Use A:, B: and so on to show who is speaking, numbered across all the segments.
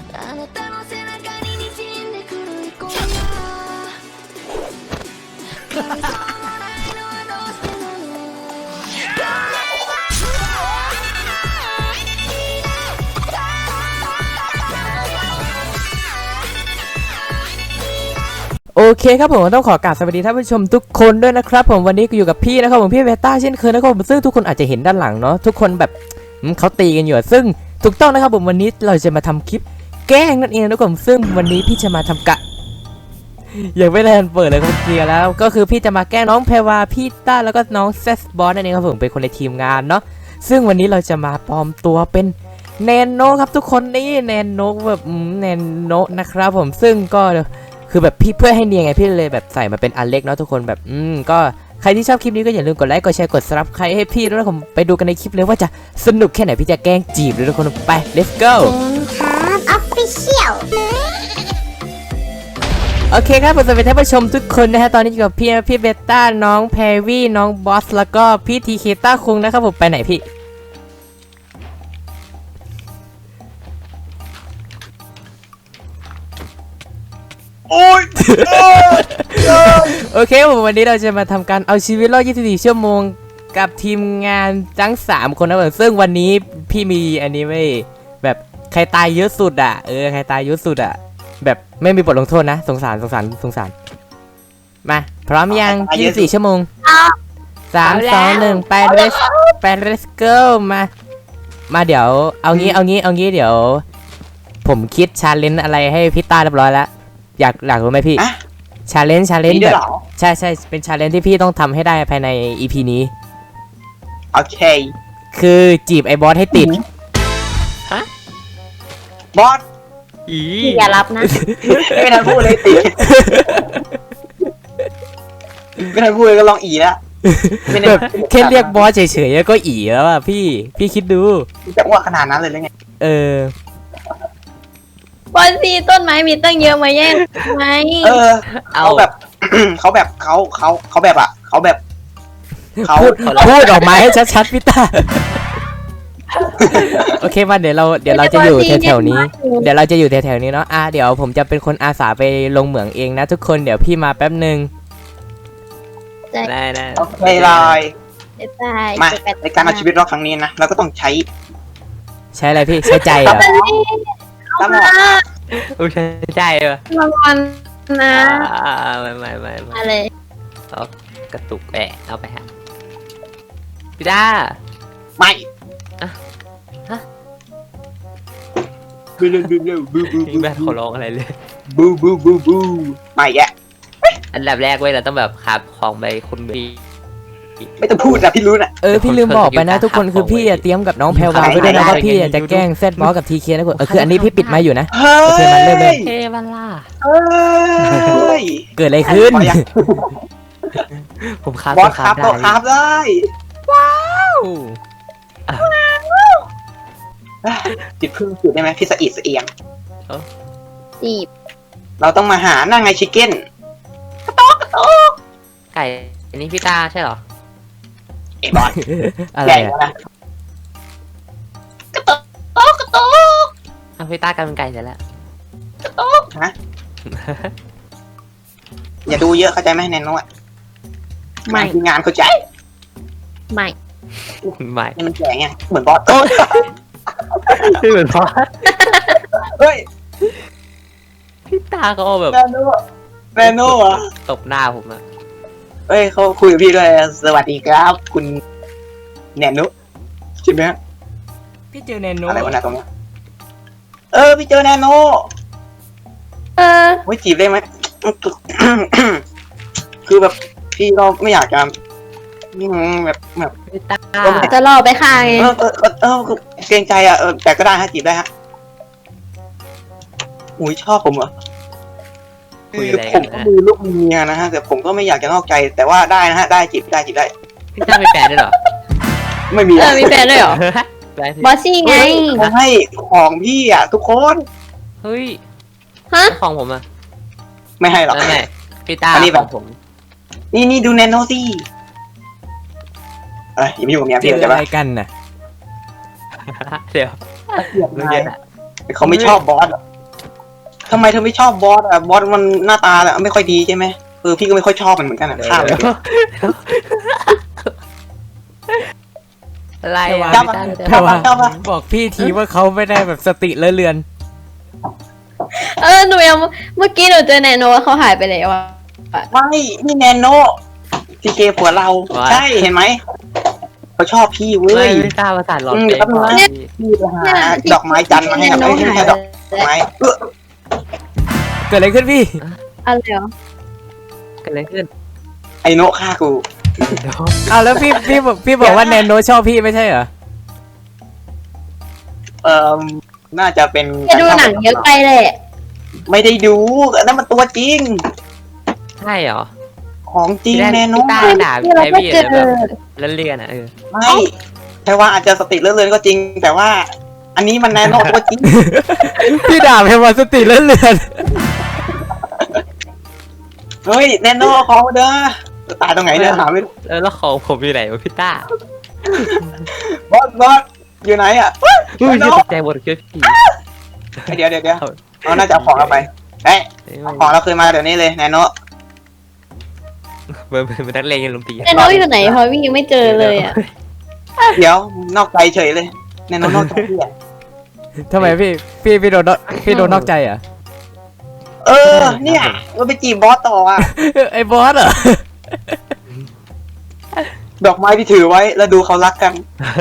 A: โอเคครับผมต้องขอกราบสวัสดีท่านผู้ชมทุกคนด้วยนะครับผมวันนี้ก็อยู่กับพี่นะครับผมพี่เวต้าเช่นเคยนะครับผมซึ่งทุกคนอาจจะเห็นด้านหลังเนาะทุกคนแบบเขาตีกันอยู่ซึ่งถูกต้องนะครับผมวันนี้เราจะมาทำคลิปแกล้งนั่นเองนะครับผมซึ่งวันนี้พี่จะมาทำยังไม่ได้เปิดเลยครับเคลียร์แล้วก็คือพี่จะมาแกล้งน้องแพรวาพี่ต้าแล้วก็น้องเซสบอสนั่นเองครับผมเป็นคนในทีมงานเนาะซึ่งวันนี้เราจะมาปลอมตัวเป็นแนนโนครับทุกคนนี่แนนโนแบบแนนโนนะครับผมซึ่งก็คือแบบพี่เพื่อให้เนียนไงพี่เลยแบบใส่มาเป็นอันเล็กเนาะทุกคนแบบก็ใครที่ชอบคลิปนี้ก็อย่าลืมกดไลค์กดแชร์กดซับใครให้พี่ด้วยนะผมไปดูกันในคลิปเลยว่าจะสนุกแค่ไหนพี่จะแกล้งจีบเลยทุกคนไป let's go
B: ออฟฟิเชียล
A: โอเคครับผมสวัสดีท่านผู้ชมทุกคนนะฮะตอนนี้อยู่กับพี่เบต้าน้องแพรวี่น้องบอสแล้วก็พี่ทีเคต้าคุงนะครับผมไปไหนพี่
C: โอ้ย
A: โอเคผมวันนี้เราจะมาทำการเอาชีวิตรอด24 ชั่วโมงกับทีมงานทั้ง3 คนนะผมซึ่งวันนี้พี่มีอันนี้ไม่แบบใครตายเยอะสุดอ่ะใครตายเยอะสุดอ่ะแบบไม่มีบทลงโทษนะสงสารมาพร้อมยัง24 ชั่วโมง3 2 1ไป let's go มาเดี๋ยวเอางี้เดี๋ยวผมคิดชาเลนจ์อะไรให้พี่ต้าเรียบร้อยแล้วอยากรู้ไหมพี่ชาเลนจ์แบบใช่เป็นชาเลนจ์ที่พี่ต้องทำให้ได้ภายใน EP นี้
C: โอเค
A: คือจีบไอ้บอสให้ติด
C: บอส
B: อย่ารับนะ
C: ไม่ทันพูดเลยติดไม่ทันพูดเลยก็ลองอีแล้ว
A: แบบแค่เรียกบอสเฉยๆก็อีแล้วอ่ะพี่คิดดู
C: จะอ้วกขนาดนั้นเลยหรือไง
B: บอลซีต้นไม้มีตั้งเยอะมาแย่งไหม
C: เขาแบบเขาแบบอ่ะเขาแบบ
A: พูดออกมาให้ชัดๆพี่ตาโอเคมาเดี๋ยวเราจะอยู่แถวๆนี้เดี๋ยวเราจะอยู่แถวๆนี้เนาะเดี๋ยวผมจะเป็นคนอาสาไปลงเหมืองเองนะทุกคนเดี๋ยวพี่มาแป๊บนึง
C: ได้โอเคเลยมาในการเอาชีวิตรอดครั้งนี้นะเราก็ต้องใช้
A: อะไรพี่ใช้ใจเหรอ
C: แล้วมา
A: ใช้ใจเหรอ
B: รางวัลนะ
A: ไม่
B: อะไร
A: เอากระตุกเอาไปฮะพี่ดา
C: ไม่บู
A: แม่ขอร้องอะไรเลย
C: บูไม่แก
A: อันดับแรกเว้ยเราต้องแบบขับของไปคุณบี
C: ไม่ต้องพูดนะพี่รู้นะ
A: พี่ลืมบอกไปนะทุกคนคือพี่เตรียมกับน้องแพรวาไว้ด้วยนะว่าพี่จะแกล้งเซตบอสกับทีเคนะคุณคืออันนี้พี่ปิดมาอยู่นะโอเคมันเริ่มเลย
B: เทวันล่า
A: เกิดอะไรขึ้นผม
C: บอสครับต่อครับได้
A: ว้าว
C: จิบพึ่งจุดได้ไหมพี่สะอีดสะเอียง
B: จีบ
C: เราต้องมาหานั่งไงชิคเก้นกระโตก
A: ไก่อันนี้พี่ตาใช่หรอ
C: ไอ้บอส
A: อะไรนะ
C: กระโตก
A: พี่ตากลายเป็นไก่เสร็จแล้ว
C: กระโตกฮะอย่าดูเยอะเข้าใจไหมแนนโน่ไม่งานเข้าใจ
B: ไม่
C: มันแก่ไงเหมือนบอส
A: เหมือนบอส
C: เฮ้ย
A: พี่ตาเขาแบบ
C: แนนโน่อะ
A: ตบหน้าผมอะ
C: เฮ้ยเขาคุยกับพี่ด้วยสวัสดีครับคุณแนนโน่ใช่ไหม
A: พี่เจอแนนโน่
C: อะไรวะนะตรงนี้พี่เจอแนนโน่ไม่จีบได้ไหมคือแบบพี่ก็ไม่อยากจะแบบ
B: จะรอไปค่ะ
C: เกรงใจอ่ะแต่ก็ได้ฮะจีบได้ฮะอุ้ยชอบผมเหรอผมก็มีลูกมีเมียนะฮะแต่ผมก็ไม่อยากจะนอกใจแต่ว่าได้นะฮะได้จีบได้
A: พี่ต้ามีแฟนด้วยเหรอ
C: ไม่มี
B: มีแฟนด้วยเหรอบอสซี่ไง
C: ให้ของพี่อ่ะทุกคน
A: เฮ้ยของผมอ่ะ
C: ไม่ให้หรอก
A: ไม่พี่ต้า
C: อันนี้แบบ
A: ผม
C: นี่ดูแนนโนซี่อย่าไปยุ่งกับเมียพี่จะอะไร
A: กันน่ะเดี๋ยว
C: เขาไม่ชอบบอสทำไมเธอไม่ชอบบอสอ่ะบอสมันหน้าตาแบบไม่ค่อยดีใช่ไหมพี่ก็ไม่ค่อยชอบมันเหมือนกันอ่ะข้ามเลย
D: อะไร
C: จั
D: อ่ะ
C: บมา
A: แต่ว่า
C: เข้ามา
A: บอกพี่ทีว่าเขาไม่ได้แบบสติเลอะเลือน
B: หนูยังเมื่อกี้หนูเจอแนโนว่าเขาหายไปแล้วอะ
C: ไม่นี่แนนโนซีเกผัวเราใช่เห็นไหมเขาชอบพี่เว้
D: ไม่
C: ย
D: ไม่กล้าประสาทหลอน
C: อืม
D: เอง
C: แป๊บนึงนะ พี่ไปหาดอกไม้จันทร์มาให้กับไม่ใช่ดอกไม้
A: เกิดอะไรขึ้นพี่
B: อะไรเหรอ
D: เกิดอะไรขึ้น
C: ไอโนะฆ่ากู
A: อ้าวแล้วพี่บอกว่าแนนโนชอบพี่ไม่ใช่เหรอ
C: เอ่อน่าจะเป็น
B: จะดูหนังเยอะไปแหละ
C: ไม่ได้ดูนั่นมันตัวจริง
D: ใช่เหรอ
C: ของจริงแน่นอ
D: พี่ต้าน ด่า
B: ที่เรา
D: ไอ้
B: ก็
D: พี่
B: เจอ
D: แบบแล้วเรียนอ่ะ
C: ไม่ใช่ว่าอาจจะสติเลื่อนๆก็จริง แต่ว่า อันนี้มันแน่นอนตัวจริง
A: พี่ด่าเพว่าสติเลอะเลือน
C: เฮ้ยแน่นอนเขาเด้อตายตรงไหนเนี่ยหาไม่รู้
D: แล้วของผมอยู่ไหนวะพี่ต้า
C: บอสอยู่ไหนอ่ะ
D: อุ้ย
C: แน่น
D: ต
C: อน
D: กใจหมดคือผี
C: เดี๋ยวเราน่าจะเอาของเราไปเอ้ยเอาของเราคืนมาเดี๋ยวนี้เลยแน่นอน
D: เหมือนนักเลงยังลุมตี
B: แนโนอยู่ไหนเพราะวิ่งยังไม่เจอเลยอะ
C: เดี๋ยวนอกใจเฉยเลยแน่นอนนอกใจพี่อะ
A: ทำไมพี่โดนนอกใจเหรอ
C: เออเนี่ยเราไปจีบบอสต่ออ่ะ
A: ไอ้บอสเหรอ
C: ดอกไม้ที่ถือไว้แล้วดูเขารักกัน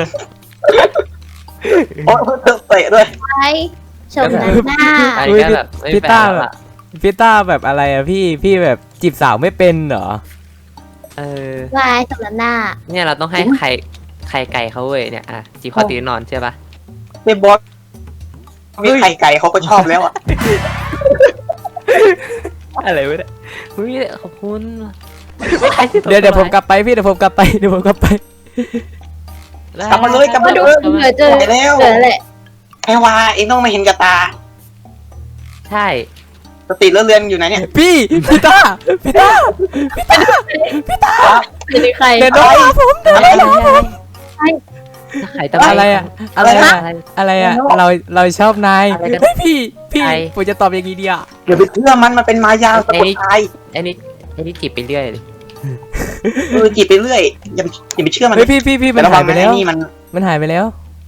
C: โอ้เตะด้วย
B: ไปชมหน้า
D: ไอ้
A: อุ้ย
D: ก็แบบไม่
A: พี่
D: แปล
A: ต้าก แบ
D: อะ
A: บพี่ต้าแบบอะไรอะพี่แบบจีบสาวไม่เป็นเหรอ
D: เออ
B: วายชมหน้า
D: เนี่ยเราต้องให้ไข่ไก่เขาเว้ยเนี่ยอ่ะจีบเขาตีนอนใช่ปะ
C: ในบอสมีไข่ไก่เขาก็ชอบแล้วอ่ะ
D: อะไรวะเนี่ยอุ้ยขอบคุณ
A: เดี๋ยวผมกลับไปพี่เดี๋ยวผมกลับไป
C: กลับมาเลยกลับ
B: ก็
C: มา
B: ดู
C: เลย
B: เหลือเจอ
C: ไปแล้ว
B: เหลือแหละ
C: ไอ้วาเองต้องไม่เห็นกับตา
D: ใช่
C: สติเลื่อนๆอยู่ไหนเนี่ย
A: พี่ต้า
B: เป็นใคร
A: เดี๋ยวโดนผม
D: ไข่ตะ
A: อะไรอะอะไรอะเราชอบนายเฮ้ยพี่ผมจะตอบอย่างนี้ดีอะ
C: อย่าไปเชื่อมันเป็นมายาสะกดทาย
D: ไอ้นี่จีบไปเรื่อยเลย
C: จีบไปเรื่อยอย่าไปเชื่อมัน
A: เฮ้ยพี่มัน
C: ระ
A: หา
C: วั
A: ย
C: ง
A: ไป
C: นะ
A: แล้ว
C: ไอ้นี่มัน
A: มันหายไปแล้ว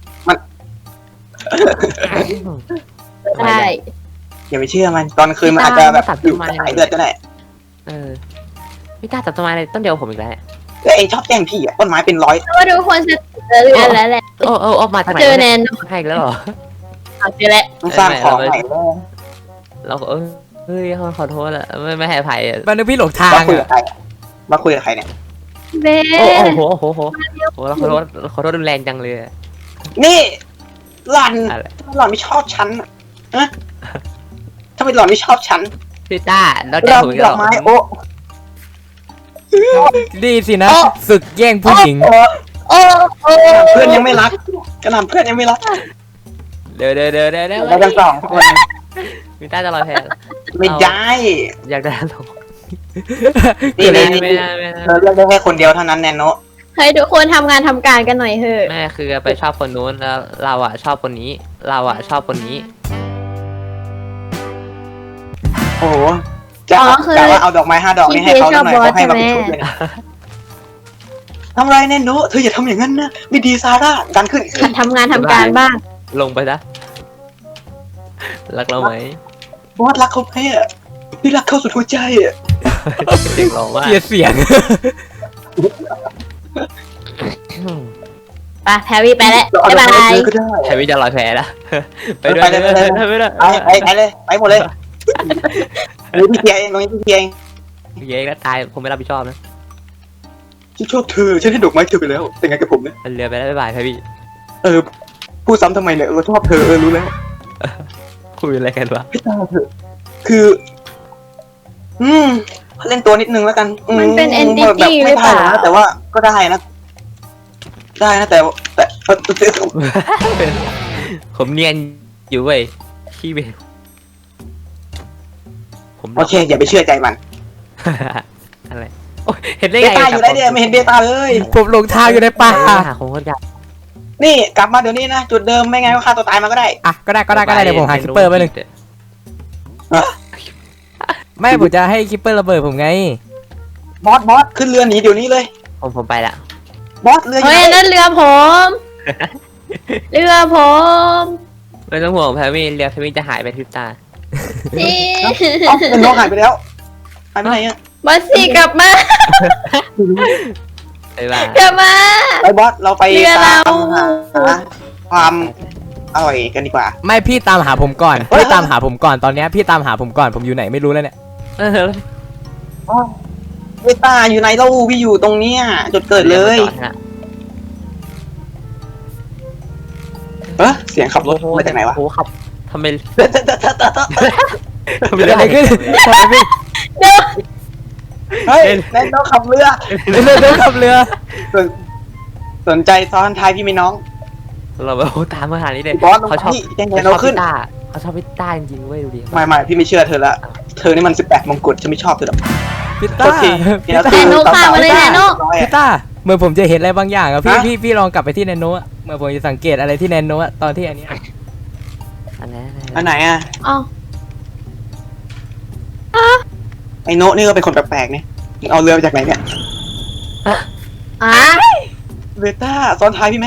B: ใช่
C: อย่าไปเชื่อมันตอนคืนมันอาจจะแบบอยู่สายเลือดก็ได้
D: เออพี่ต้าจับต้นไม้เลยต้นเดียวผมอีกแล้ว
C: แล้วเองชอบแกล้งพี่อ่ะต้นไม้เป็นร้อย
B: ก็ดูคนจะเจอเรือนแล้วแหละ
D: โอ้มาจากไหน
B: เจอแนน
D: ให้แล้วเหรอ
B: เจอแล้ว
C: ต้องสร้างของใหม่แล้ว
D: เราก็เฮ้ยขอโทษละไม่ให้อภัย
A: มันนึกพี่หลงทาง
C: มาคุยกับ
A: อะ
C: ใครมาคุยกับใครเนี่ย
B: เบ้
D: โอ้โหเราขอโทษรุนแรงจังเลย
C: นี่หล่อน
D: อะไร
C: หล่อนไม่ชอบฉันอะทำไมหล่อนไม่ชอบฉัน
D: พี่ต้าเราจะ
C: เรา
D: ถูก
C: ดอกไม้โอ้
A: ดีสินะศึกแย่งผู้หญิง
B: โอ้
C: เพื่อนยังไม่รักกระหน่ำเพื่อนยังไม่รัก
D: เดี๋ยว
C: เรากันสองคน
D: พี่ต้าจะลอยแพ
C: ไม่ได้
D: อยากได้ลง
C: นี่
D: ไม่
C: นี่
D: ได้
C: เธอเลือกได้แค่คนเดียวเท่านั้นแนนโน
B: ให้ทุกคนทำงานทำการกันหน่อยเถอะ
D: แม่คือไปชอบคนนู้นแล้วเราอ่ะชอบคนนี้ เราอ่ะชอบคนนี้
C: โอ้โหจะว่าเอาดอกไม้5 ดอกนี่ให้เขาหน่อยเขาให้มาเป็นชุดเลยนะทำไรแนนโนเธออย่าทำอย่างนั้นนะไม่ดีซาร่าดันขึ้น
B: ทำงานทำการบ้าง
D: ลงไปนะรักเราไหม
C: บอสรักเขาไหมอ่ะพี่รักเขาสุดหัวใจอ่ะ
D: เสียงร้องว่า
A: เกลียดเสียง
B: ไปแพรวี่ไปแล้วบ๊ายบาย
C: ก็ได้
D: แทวิจะลอยแพนะไปด้วย
C: ไปเลย
D: ไปด้วย
C: ไปเลยไปหมดเลยนี่พี่เทียเองตรงนี้พี่เทียเอง
D: เย้แล้วตายผมไม่รับผิดชอบนะ
C: ฉันชอบเธอฉันให้ดอกไม้เธอไปแล้วแต่ไงกับผมเนี่ย
D: เรือไปแล้วบ๊ายบายแทวิ
C: พูดซ้ำทำไมเนี่ยเราชอบเธอรู้แล้ว
D: คุยอะไรกันวะ
C: ให้ตาเถอะคือ เล่นตัวนิดนึงแล้วกัน
B: มันเป็น entity หรือเปล่า
C: แต่ว่าก็ได้นะแต่
D: ผมเนียนอยู่เว้ยขี้เบลผม
C: โอเคอย่าไปเชื่อใจมัน
D: อะไรโอ้ยเห็นได้
C: เบ
D: ไง
C: ต้าอยู่ได้เนี่ยไม่เห็นเบต้าเลย
A: ผมหลงทางอยู่ในป่า
D: หาของคนจับ
C: นี่กลับมาเดี๋ยวนี้นะจุดเดิมไม่ไงก็ฆ่าตัวตายมาก็ได้
A: อ่ะก็ได้เดี๋ยวผมหาคิปเปอร์ไปหนึ่งไม่ผมจะให้คิปเปอร์ระเบิดผมไง
C: บอสขึ้นเรือหนีเดี๋ยวนี้เลย
D: ผมไปละ
C: บอสเรืออยู่
B: เฮ้ย
C: ไหน
B: นั่นเรือผม เรือผม
D: ไม่ต้องห่วงแพรมี่เรือแพรมี่จะหายไปพริบตา
B: พี่
C: เอ้าเป็นน้องหายไปแล้วหายไปไหนอ่ะ
B: บอสซี่กลับมา
D: ไปบ้าก
B: ลับมา
C: ไปบอสเราไป
B: เรือ
C: ตาม
B: เรา
C: หาความอร่อยกันดีกว่า
A: ไม่พี่ตามหาผมก่อนพี่ตามหาผมก่อนตอนเนี้ยพี่ตามหาผมก่อนผมอยู่ไหนไม่รู้แล้วเนี่ย
C: เวต้าอยู่ไหนเล่าพี่อยู่ตรงเนี้ยจุดเกิดเลย เสียงขับรถมาจากไหนวะ
D: โอ้ขับทำไม
A: เกิดอะไรขึ้นทำไมพี่
C: เฮ้ยแน่นอนขับเรือ
A: เดินขับเรือ
C: สนใจซ้อนท้ายพี่ไหมน้อง
D: เราแบบตามมาหานี้เลย
C: บอสลง
D: เขาชอบ
C: นี่แจ้ง
D: เขา
C: แน
D: ช
C: ว
D: อบ
C: ขึ้
D: พิ
C: น
D: ต้าเขาชอบพิต้าจริงๆเว้ยดูดิ
C: ไม่พี่ไม่เชื่อเธอละเธอนี่มัน18มงกุฎฉันไม่ชอบเธอหรอก
A: พี่ต้า
C: โอเค
A: พี่ต้า
B: แนโนข้ามมาเลยแนโน
A: พี่ต้าเหมื่อนผมจะเห็นอะไรบางอย่างอะพี่ลองกลับไปที่แนโนอะเหมื่อนผมจะสังเกตอะไรที่แนโนอะตอนที่อันเนี้ย
C: อันไหนอ่ะ
B: อ๋อ
C: ไอโนะนี่ก็เป็นคนแปลกๆเนี่ยมึงเอาเรือมาจากไหนเนี่ย
B: อ่ะ
C: เวต้าซ้อนท้ายพี่ไหม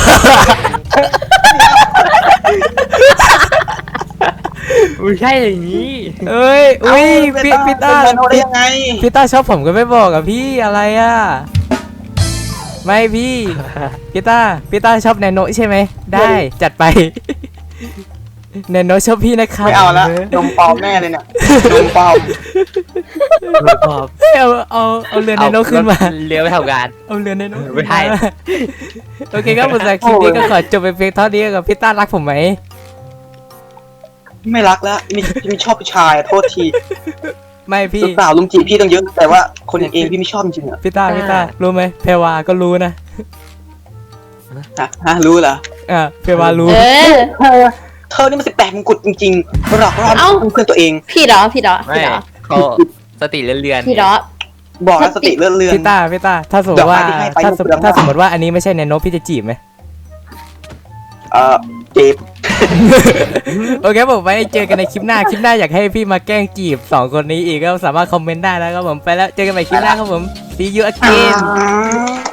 D: ไม่ใช่อย่างนี้
A: เอ้ยอุ้ย
C: เว
A: พี่ต้า
C: เป็นโนได้ยังไง
A: พี่ต้าชอบผมก็ไม่บอกอะพี่อะไรอะไม่พี่พี่ต้าชอบแนโนใช่ไหมได้จัดไปแนโนชอบพี่นะครับ
C: ไม่เอาละนมปลอมแน่เลยเนี่ยนมปลอม
A: เอาเรือแนโนขึ้นมา
D: เรือไปทำงาน
A: เอาเรือแนโน
D: ไม่ให้
A: โอเคครับผมจากคลิปนี้ก็ขอจบไปเพียงเท่านี้กับพี่ต้ารักผมไหม
C: ไม่รักแล้วพี่ไม่ชอบผู้ชายอะโทษที
A: ไม่พี่
C: สาวลุมจีบพี่ต้องเยอะแต่ว่าคนอย่างเองพี่ไม่ชอบจริงๆเหรอ
A: พี่ต้ารู้ไหมเพรวาก็รู้นะ
C: ฮะรู้เหรอ
A: เพรวารู้
B: เออ
C: นี่มัน18มงกุฎจริงๆหลอกล่อ
B: เอ้า
C: เพื่อนตัวเอง
B: พี่เหรอ
D: ไม่เขาสติเลื่อน
B: พี่เหรอ
C: บอกแล้วสติเลื่อน
A: พี่ต้าถ้าสมมติว่า
C: ดอกไม้ที่ให้ไป
A: ถ้าสมมติว่าอันนี้ไม่ใช่แนโนพี่จะจีบไหม
C: จีบ
A: โอเคผมไว้เจอกันในคลิปหน้าอยากให้พี่มาแกล้งจีบ2คนนี้อีกก็สามารถคอมเมนต์ได้แล้วครับผมไปแล้วเจอกันใหม่คลิปหน้าครับผม see you again